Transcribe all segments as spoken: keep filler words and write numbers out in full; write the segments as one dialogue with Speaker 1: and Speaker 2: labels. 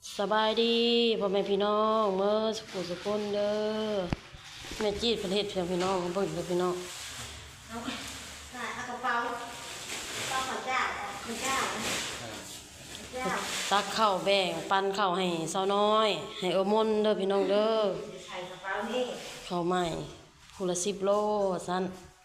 Speaker 1: สบายดีพ่อแม่พี่น้องเมื่อสุขสุขคนเด้อแม่จีดประเทศเพียงพี่น้องเบิ่งเด้อพี่น้อง
Speaker 2: เอาใส่เอากระเป๋าเป๋าข้าวเจ้าข้าวเจ้าข้าวเจ้า
Speaker 1: ตักข้าวแบ่งปันข้าวให้สาวน้อยให้เออมนเด้อพี่น้องเด้อ
Speaker 2: ใส่กระเป๋านี่
Speaker 1: ข้าวใหม่คูละสิบโลสั้น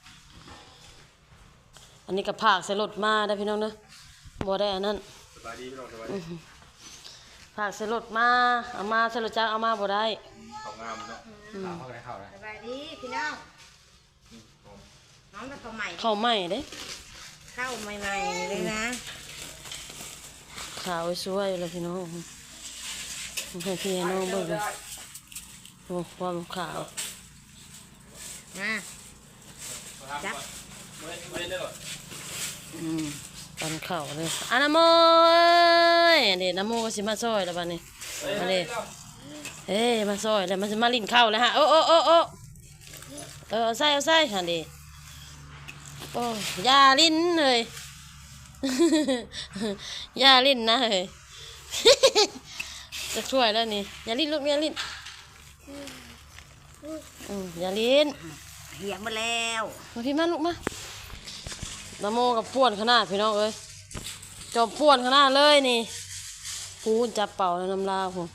Speaker 1: อันนี้ก็ผากใส่รถมาได้อพี่น้องเด้อบ่ได้อันนั้น
Speaker 3: สบายดีพี่น้องสบายดี
Speaker 1: ผากใส่รถมาเอามาใส่รถจักรเอามาบ่ได้
Speaker 3: เขางามเนาะข่าวเข้าไปเข้าเลย
Speaker 2: สบายดีพี่น้องน้องเป็นข้าวใหม่
Speaker 1: ข้าวใหม่เด้
Speaker 2: ข้าวใหม่ๆเลยนะ
Speaker 1: ขาวสวยเลยพี่น้องให้พี่ให้น้องเบิ่งเลยโอ้ความขาว
Speaker 2: นะจับ
Speaker 1: อืมปันข้าวเลยอ่ะน้ำโมยเด็ดน้ำโมก็สิมาซอยแล้วบัดนี้มาเด็เฮ้ยมาซอยแล้วมันจะมาลิ้นข้าวแล้วฮะโอ้โอ้โอ้โอ้เออเอาใส่เอาใส่ฮะเด็โอ้ยาลิ้นเลยยาลิ้นนะเฮ้ยจะช่วยแล้วนี่ยาลิ้นลูกยาลิ้นอืมยาลิ้น
Speaker 2: เหี่ยมาแล้ว
Speaker 1: มาพี่มาลูกมาน้ำโมกับป้วนขนาดพี่น้องเอ้ยจอมป้วนขนาดเลยนี่พูนจับเป่าในน้ำลาวผม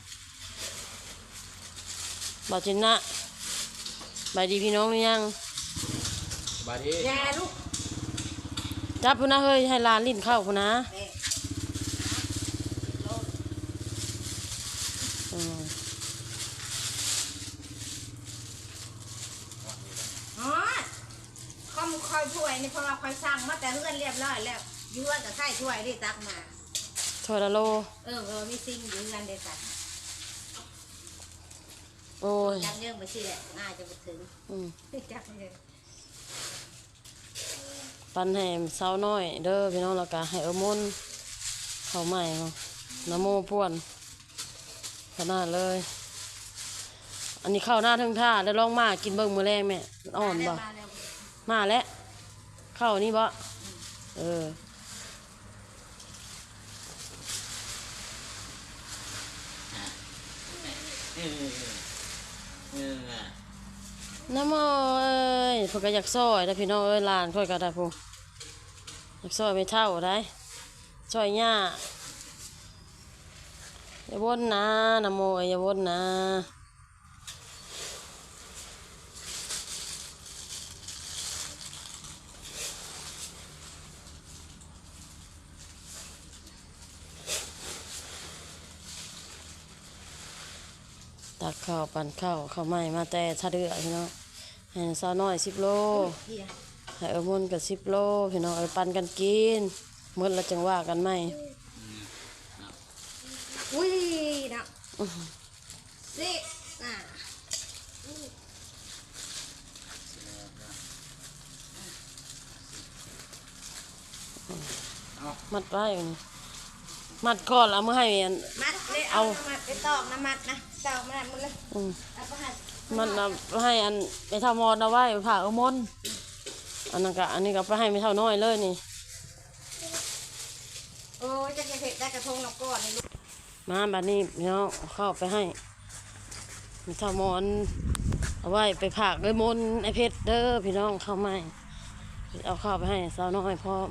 Speaker 1: บาจินนะบายดีพี่น้องหรือยัง
Speaker 3: บายดี
Speaker 2: แย่ลูก
Speaker 1: จับพูนะเฮ้ยให้ลานลิ้นเข้าพูนะอืม
Speaker 2: อ๋อข้อมคอยช่วยนี่เพราะเราคอยสั่งมาแต่เพื่อนเรียบร้อยแล้วยื้อกับไข่ช่วยได้ตักมา
Speaker 1: ถอยละโล
Speaker 2: เออเออมีซิงยื้อกันเด็ดขาด
Speaker 1: โอ้ย
Speaker 2: จับเยื่อมาสิแหละน่าจะไปถึง
Speaker 1: อืม
Speaker 2: จับเยื่อ
Speaker 1: ปันให้สาวน้อยเด้อพี่น้องแล้วก็ให้เออมุนเขาใหม่เนาะน้ำโมป้วนขนาดเลยอันนี้เข้าหน้าทั้งท่าแล้วลองมากินเบิ่งมื้อแรงแม่อ่อนบ่มาแล้วเข้านี่บ่เออน้ำโมเอ้ยเพิ่นก็อยากซอยแต่พี่น้องเอ้ยหลานค่อยก็ได้พุ่นอยากซอยไม่เท่าได้ซอยหญ้าอย่าวนนะน้ำโมเอ้ยอย่าวนนะตักข้าวปั่นข้าวข้าวใหม่มาแต่ชาเดือพี่น้องให้สาวน้อยสิบโลให้เออมุนกับสิบโลพี่น้องเออปั่นกันกินหมดแล้วจังว่ากันไหม
Speaker 2: อุ้ยนะสิอ่ะ
Speaker 1: มัดไว้มัดก่อนเอามาให้อัน
Speaker 2: มัดเลยเอามัดไปตอกน้ำมัดนะตอกมาหมดเลยเอาไปให้
Speaker 1: มันเอาให้อันไปเท่ามอนเอาไว้ผ่าเออมนอันนั้นก็อันนี้ก็ไปให้ไม่เท่าน้อยเลยนี่
Speaker 2: โอ้จะเผ็ดได้กระทงเราก่อนเลยลูก
Speaker 1: มาบัดนี้พี่น้องเข้าไปให้ไม่เท่ามอนเอาไว้ไปผ่าเออมนไอเพชรเด้อพี่น้องเข้าไม่เอาข้าวไปให้สาวน้อยพร้อม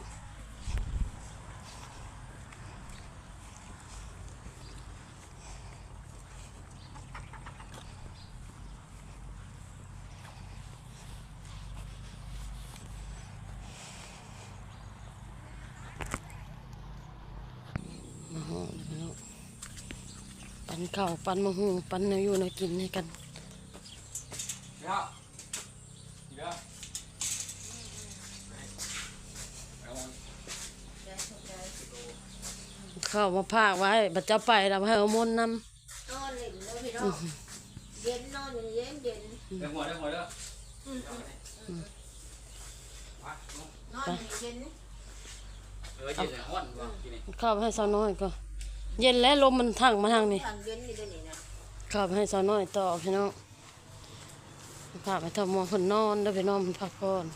Speaker 1: ปันข้าวปันมะฮุงปันเนื้ออยู่เนื้อกินให้กันข้าวมาพากไว้บัดเจ้าไปเราให้เอามนนำนอน
Speaker 2: เล่นเลยพี่น้องเย็นนอนอยู่เย็นเย็น
Speaker 3: เดี๋ยวหัวเดี๋ยวหัวเด้อน
Speaker 2: อนอยู่เย็น
Speaker 3: เออเย็นห้อนว่ะทีนี้
Speaker 1: ข้าวให้สาวน้อยก็เย็นแล้วลมมันทั้งมาทางนี้ข้าวให้สาวน้อยต่อพี่น้องพาไปทำมองคนนอนได้ไปนอนพักผ่อน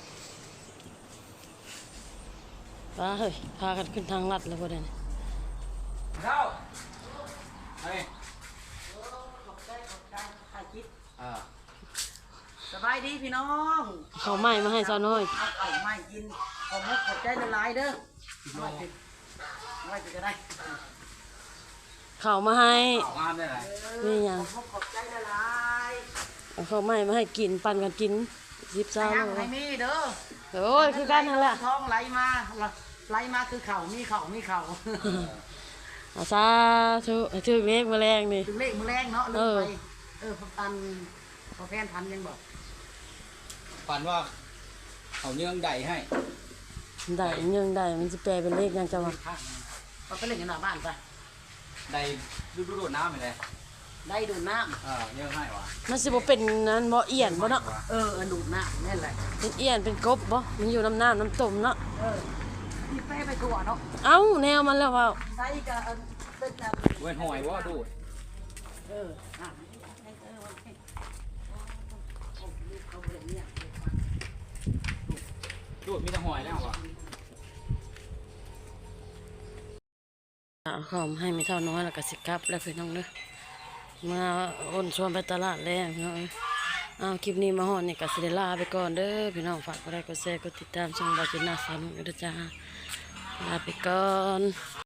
Speaker 1: ป้าเฮ้ยพากันขึ้นทางลัดเลยพอดี
Speaker 3: เข้าเฮ้ย
Speaker 4: ขอบใจขอบใจถ่ายคลิป
Speaker 3: อ่า
Speaker 4: สบายดีพี่น้อง
Speaker 1: ข้าวใหม่มาให้สาวน้อย
Speaker 4: เอาเอาไม่กินขอบมุกขอบใจละลายเด้อไม่ติดไม่ติดก็ได้
Speaker 1: ข้าวมาให้
Speaker 3: เอางามได้ไหม
Speaker 1: นี่หยัง
Speaker 4: ขอบมุกขอบใจละลาย
Speaker 1: เอาข้าวใหม่มาให้กินปั่นกันกินสิบสาว
Speaker 4: ยัง
Speaker 1: เล
Speaker 4: ให้
Speaker 1: ย
Speaker 4: มีเด้อ
Speaker 1: โอ้ยคือกันนั่นแหละ
Speaker 4: ท้องไหลมาไหลมาคือเข่ามีเข่ามีเข่า
Speaker 1: อาซาทุให้ถึกเลขแมลงนี่
Speaker 4: ถึงเลขมือแรงเนาะลื
Speaker 1: เอ
Speaker 4: ม
Speaker 1: อ
Speaker 4: ไปเออพันพอแฟนพันยังบอก
Speaker 3: ฝันว่าเขาเยื่องใดให้
Speaker 1: ได้ยังได้มันจะแปลเป็นเลขยังจะว่า
Speaker 4: ข้างเขาไปเล่นกันหน้าบ้านไป
Speaker 3: ใดดูดูดูดน้ำไปเลย
Speaker 4: ได้ดูดน้
Speaker 3: อ่าเยื่องให้วะ
Speaker 1: มันสิบ่เป็นนั้นบ่เอียนบ่เนาะ
Speaker 4: ำเออเออดูดน้ำนี่นแหละ
Speaker 1: เป็นเอียนเป็นกบบ่มันอยู่น้ำน้ำน้ำต้มเนาะ
Speaker 4: เออที่แป้ไปตัวเนาะ
Speaker 1: เอ้าแนวมันแล้วว่า
Speaker 4: ใส่กับเออเป็นแบบ
Speaker 3: เว้นหอยว่าดูด
Speaker 4: เอออ่ะเออโอเคโอ้ลูกเขาเลยเนี่ย
Speaker 3: ดูดมีแต่หอยแล้ววะ
Speaker 1: เอาข้าวมาให้ไม่เท่าน้อยแล้วก็สิกลับแล้วพี่น้องเด้อมาอ้นชวนไปตลาดแล้วพี่น้องเอ้ยเอาคลิปนี้มาฮอดนี่ก็สิได้ลาไปก่อนเด้อพี่น้องฝากกดไลค์กดแชร์กดติดตามช่องบาจิน่าสามกันด้วยจ้าลาไปก่อน